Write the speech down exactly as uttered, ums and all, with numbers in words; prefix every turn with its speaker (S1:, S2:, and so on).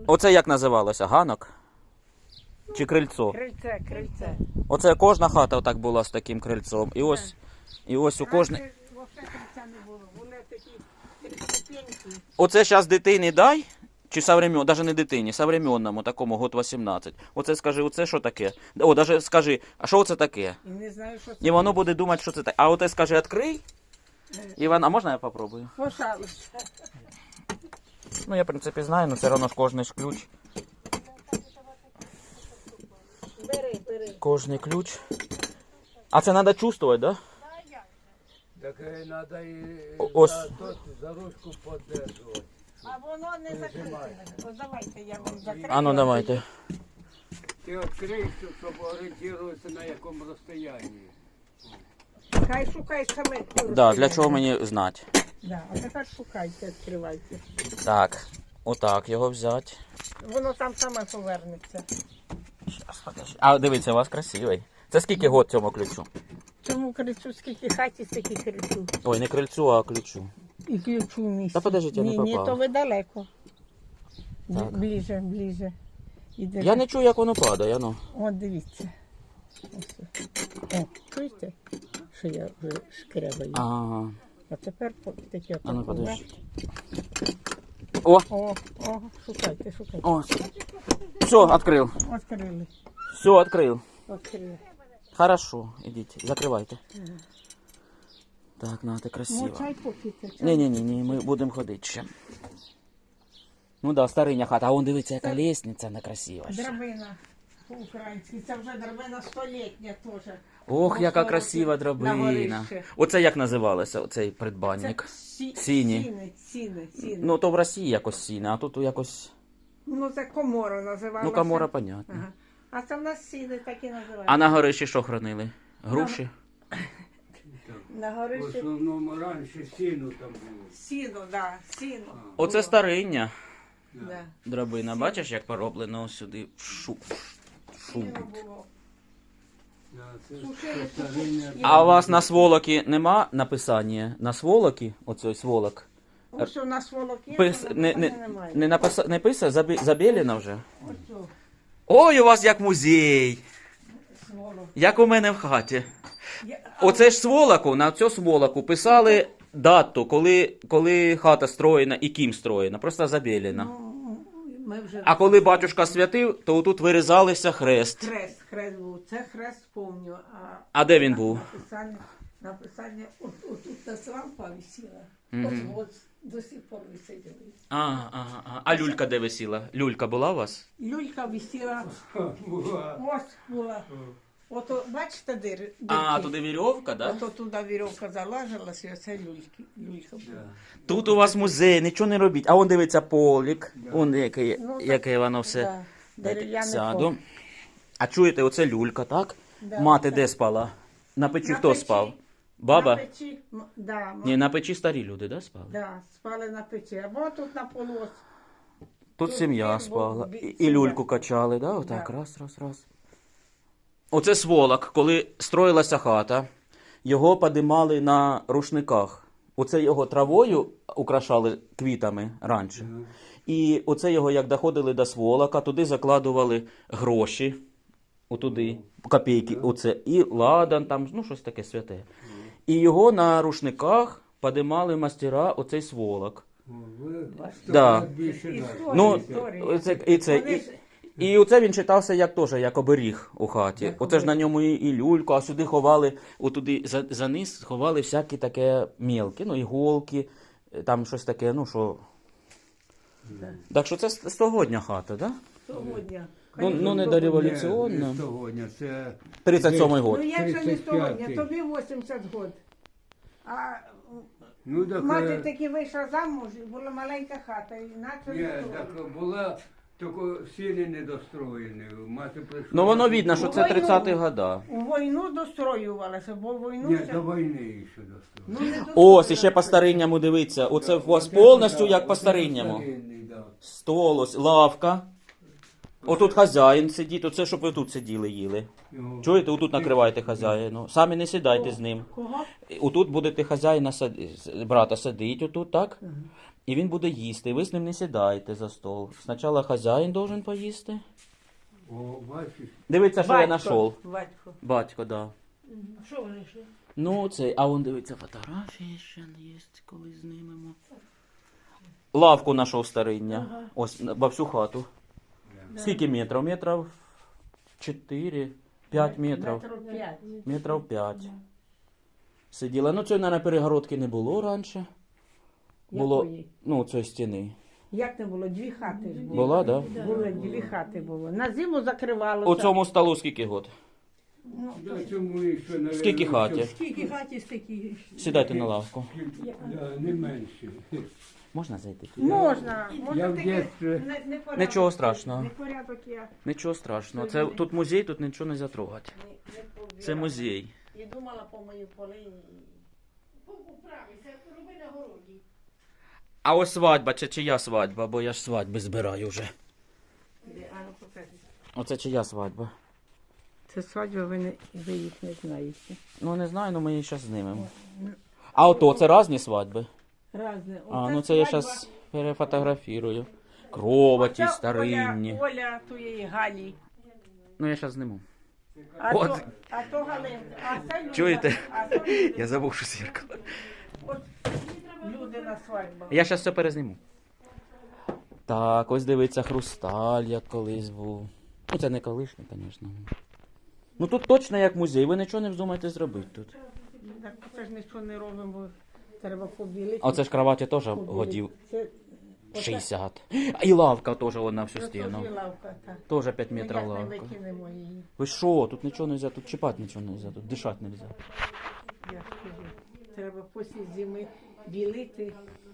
S1: Оце як називалося? Ганок? Чи крильцо?
S2: Крильце, крильце.
S1: Оце кожна хата отак була з таким крильцом. І ось, і ось у кожній...
S2: Раніше взагалі крильця не було. Були такі три ступеньки.
S1: Оце зараз дитині дай, чи современ, навіть не дитині, современному, такому, год вісімнадцять. Оце скажи, оце що таке? О, навіть скажи, а що це таке?
S2: І не знаю, що це.
S1: І воно буде думати, що це таке. А оце скажи, відкрий. Іван, а можна я попробую?
S2: Пожалуйста.
S1: Ну, я, в принципі, знаю, але все одно ж кожний ж ключ.
S2: Бери, бери.
S1: Кожний ключ. А це треба чувствувати, так? Да?
S3: Так треба і
S1: О- ось.
S3: за, тот, за ручку підтримувати.
S2: А воно не закрите. Ось давайте я вам закрию.
S1: А ну давайте.
S3: Ти відкриєш, щоб орієнтуватися на якому розстоянні.
S2: Хай шукай саме.
S1: Да, для чого мені знати?
S2: Да, а тепер шукайте, відкривайте.
S1: Так, отак його взяти.
S2: Воно там саме повернеться.
S1: Щас, подожди. А дивіться, у вас красивий. Це скільки год цьому ключу?
S2: Цьому крильцю скільки хаті, стільки крильцю.
S1: Ой, не крильцю, а ключу.
S2: І ключу в місті.
S1: Та подождіть, я не
S2: Ні, ні,
S1: попав.
S2: то ви далеко.
S1: Так.
S2: Ближе, ближе. Іде.
S1: Я не чую, як воно падає, ну.
S2: От дивіться. Ось. О, чуєте, що я вже шкрябаю?
S1: Ага.
S2: А тепер по- таке
S1: А ну
S2: отак,
S1: подожди. О,
S2: О, о, шукайте, шукайте.
S1: о. Все, відкрив.
S2: Відкрили,
S1: Все, відкрив.
S2: відкрили.
S1: Хорошо, ідіть, закривайте. Так, на, ти красиво.
S2: Ну, чай попійте, чай.
S1: Ні, ні, ні, ні, ми будемо ходити ще. Ну да, стариня хата, а вон дивиться, яка лестниця не красива. ще.
S2: Драбина по-українськи. Це вже драбина столітня теж.
S1: Ох, яка
S2: Ось
S1: красива
S2: на
S1: драбина.
S2: горище.
S1: Оце як називалося, оцей
S2: Це
S1: придбанник?
S2: сі...
S1: Сіні.
S2: Сіни, сіни, сіни.
S1: Ну, то в Росії якось сіна, а тут якось...
S2: Ну, це комора називалася.
S1: Ну, камора, понятно.
S2: Ага. А це в нас сіни так і називаються.
S1: А на горищі що хранили? Груші?
S2: На
S3: В
S2: горищі
S3: основному раніше сіну там було.
S2: сіно, да, сіно.
S1: Оце стариння
S2: Да.
S1: драбина. Бачиш, як пороблено ось сюди? Шу. Шу.
S2: Сіно було.
S3: Да, це
S2: Сушили,
S3: стариння.
S2: сушили.
S1: А у вас на сволокі нема написання? На сволокі, оцей сволок?
S2: Ось у нас волок є,
S1: Пис...
S2: але
S1: Не,
S2: написання
S1: не,
S2: немає.
S1: не, написа... не писа, забі... забілена вже?
S2: Ось о,
S1: Ой, у вас як музей!
S2: сволок.
S1: Як у мене в хаті.
S2: Я- а
S1: Оце ж сволоку, на цю сволоку писали дату, коли, коли хата строєна і ким строєна, просто забілена.
S2: Ну, ми вже...
S1: А коли батюшка святив, то тут вирізалися хрест.
S2: Хрест, хрест був. Це хрест помню. А,
S1: А де він був?
S2: Написання, написання от, от тут на лампа висіла.
S1: Мгм.
S2: От, от до сих пор висить.
S1: А, ага, ага. А люлька де висіла? Люлька була у вас?
S2: Люлька висіла.
S3: Була.
S2: Ось була. Ото, бачите, дир, дирки?
S1: А, туди вірьовка, да?
S2: Ото туди вірьовка залажилась, і оце люльки, люлька була.
S1: Тут у вас музей, нічого не робіть. А он дивиться полік, он яке,
S2: Ну, так,
S1: яке воно все.
S2: Да, дерев'яний
S1: Сяду.
S2: пол.
S1: А чуєте, оце люлька, так?
S2: Да,
S1: Мати
S2: так.
S1: де спала? На печі
S2: На
S1: хто
S2: печі.
S1: спав? Баба?
S2: На печі, м, да, м-
S1: Ні, на печі старі люди, да, спали?
S2: да, спали на печі. Або тут на полу. ось.
S1: Тут
S2: Тут
S1: сім'я
S2: він
S1: спала.
S2: був,
S1: І,
S2: бі-
S1: і
S2: сім'я.
S1: люльку качали, да? Отак,
S2: Да.
S1: раз, раз, раз. Оце сволок, коли строїлася хата, його подимали на рушниках. Оце його травою украшали квітами раніше. І оце його, як доходили до сволока, туди закладували гроші, отуди, копійки, оце, і ладан, там, ну, щось таке святе. І його на рушниках подимали мастера оцей сволок.
S3: Ви
S1: Да.
S3: більше нас.
S2: Історія,
S1: Ну,
S2: історія.
S1: оце, і це,
S2: Вони
S1: і,
S2: ж-
S1: і оце він читався як теж, як оберіг у хаті.
S2: Як
S1: Оце ж на
S2: оберіг.
S1: ньому і, і люльку, а сюди ховали, отуди за, за низ ховали всякі таке мілкі, ну, іголки, е, там щось таке, ну, що...
S2: Да.
S1: Так що це с- стогодня хата, да?
S2: Сьогодні.
S1: Ну, ну не
S2: Конечно,
S1: до
S2: сьогодні.
S1: революційна.
S3: Ні, сьогодні, це
S1: тридцять сьомий
S2: Ну
S1: год.
S2: як же не
S3: тридцять
S2: сьогодні,
S3: п'ятий.
S2: тобі вісімдесят год. А
S3: Ну, так,
S2: мати
S3: е,
S2: таки вийшла замуж, і була маленька хата, і наче
S3: ні,
S2: не
S3: так
S2: було.
S3: була, тільки сіни недостроєні. Мати прийшла.
S1: Ну воно видно, що це
S2: Війну.
S1: тридцяті года.
S2: У війну достроювалася, бо в війну...
S3: Ні,
S2: ще-
S3: до війни ще достроєні.
S2: Ну, не
S1: Ось,
S2: достроювалася.
S1: і ще по старинньому дивиться. Оце у вас повністю як по старинньому.
S3: Старинний, да.
S1: Стол, ось, лавка. Отут хазяїн сидить, оце щоб ви тут сиділи, їли.
S3: Його-
S1: Чуєте, отут накривайте хазяїну. Самі не сідайте з ним.
S2: Кого?
S1: Отут будете хазяїна сади- брата садити, отут, так? І він буде їсти, і ви з ним не сідайте за стол. Спочатку хазяїн должен поїсти.
S3: О, бачиш,
S1: Дивіться, що я знайшов.
S2: Батько.
S1: Батько, да.
S2: Що ви знайшли?
S1: Ну, це, а он дивиться, фотографії ще є, коли знімемо. Лавку знайшов стариння.
S2: Ага.
S1: Ось, на- во всю хату. Скільки метрів? Метрів чотири, п'ять метрів.
S2: Метрів п'ять.
S1: Метрів п'ять. Сиділа. Ну, цієї, мабуть, перегородки не було раніше. Було,
S2: Якої?
S1: ну, цієї стіни.
S2: Як не було? Дві хати ж було.
S1: Була, да?
S2: Були дві хати було. На зиму закривалося.
S1: У цьому столу скільки год?
S3: на цьому і що, наверное,
S1: Скільки хаті?
S2: Скільки хаті, стільки.
S1: Сідайте на лавку.
S3: Да, не менше.
S1: Можна зайти?
S2: Можна. Можна
S3: Я в
S2: таке
S3: дєтстві-
S2: не- не порядок
S1: Нічого
S2: є.
S1: страшного.
S2: Не порядок я.
S1: Нічого страшного. Це тут музей, тут нічого не затрогати.
S2: Не, не побігала.
S1: Це музей.
S2: І думала по мої поли. Поправися, роби на городі.
S1: А ось свадьба, чи чия свадьба, бо я ж свадьби збираю вже.
S2: Де, а ну покажи.
S1: Оце чия свадьба?
S2: Це свадьба, ви, не, ви їх не знаєте.
S1: Ну не знаю, ну ми її зараз знімемо. А ото це різні свадьби.
S2: Разне.
S1: А, ну це я зараз перефотографірую. Кроваті, старинні.
S2: Оля, Оля тієї Галі.
S1: Ну я зараз зніму.
S2: А,
S1: От.
S2: то, а то Галин, а це Люда.
S1: Чуєте?
S2: А то Люда.
S1: Я забув, що зеркало.
S2: От люди на свадьбах.
S1: Я зараз все перезніму. Так, ось дивиться хрусталь, як колись був. Ну це не колишній, звісно. Ну тут точно як музей, ви нічого не вздумаєте зробити тут.
S2: Так це ж нічого не робимо, бо треба побілити.
S1: А оце ж кроваті теж
S2: Побілити.
S1: годів
S2: Це оце-
S1: шістдесят. А і лавка теж вона всю
S2: це
S1: стіну.
S2: теж лавка, так.
S1: Теж п'ять
S2: Ми
S1: метрів
S2: як не
S1: лавка.
S2: викинемо її.
S1: Ви що, тут нічого не можна, тут чіпати нічого не можна, тут дишати не можна.
S2: Я ж кажу, треба після зими білити